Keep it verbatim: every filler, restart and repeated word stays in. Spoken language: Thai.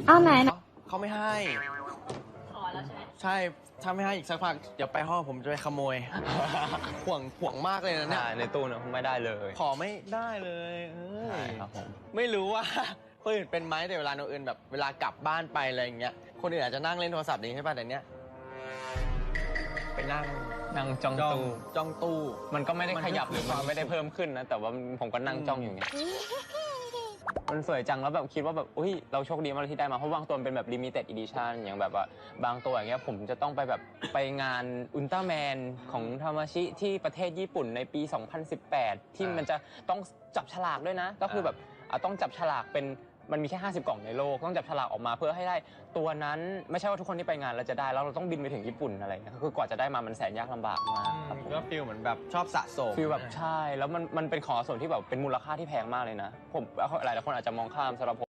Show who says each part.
Speaker 1: อ้าวไหนไหน
Speaker 2: เขาไม่ให้
Speaker 3: ขอแล้วใช่ไหม
Speaker 2: ใช่ถ้าไม่ให้อีกสักพักเดี๋ยวไปห้องผมจะไปขโมย ห่วงห่วงมากเลยนะเนี่ย
Speaker 4: ใช่ในตู้เนี่ยไม่ได้เลย
Speaker 2: ขอไม่ได้เลยเอ้ย
Speaker 4: ใช่ครับผม
Speaker 2: ไม่รู้ว่า คนอื่นเป็นไหมแต่เวลาโนอื่นแบบเวลากลับบ้านไปอะไรอย่างเงี้ยคนอื่นอาจจะนั่งเล่นโทรศัพท์อย่างนี้ใช่ป่ะแต่เนี้ยไปนั่ง
Speaker 4: นั่งจ้อง
Speaker 2: จ้อง
Speaker 4: ตู้
Speaker 2: จ้องตู้
Speaker 4: มันก็ไม่ได้
Speaker 2: มัน
Speaker 4: ขยับหรือ
Speaker 2: มีความ
Speaker 4: มันไม่ได้เพิ่มขึ้นนะแต่ว่าผมก็นั่งจ้องอยู่ไงมันสวยจังแล้วแบบคิดว่าแบบอุ้ยเราโชคดีมากที่ได้มาเพราะบางตัวมันเป็นแบบ limited edition อย่างแบบว่าบางตัวอย่างเงี้ยผมจะต้องไปแบบไปงานอุลตร้าแมนของทามาชิที่ประเทศญี่ปุ่นในปี สองพันสิบแปด ที่มันจะต้องจับฉลากด้วยนะ ก็คือแบบอ่ะต้องจับฉลากเป็นมันมีแค่ห้าสิบกล่องในโลกต้องจับฉลากออกมาเพื่อให้ได้ตัวนั้นไม่ใช่ว่าทุกคนที่ไปงานเราจะได้แล้วเราต้องบินไปถึงญี่ปุ่นอะไรเงี้ยคือกว่าจะได้มามันแสนยากลำบากมากครับผม
Speaker 2: ก็ฟีลเหมือนแบบชอบสะสม
Speaker 4: ฟีลแบบใช่แล้วมันมันเป็นของสะสมที่แบบเป็นมูลค่าที่แพงมากเลยนะผมหลายๆคนอาจจะมองข้ามสำหรับผม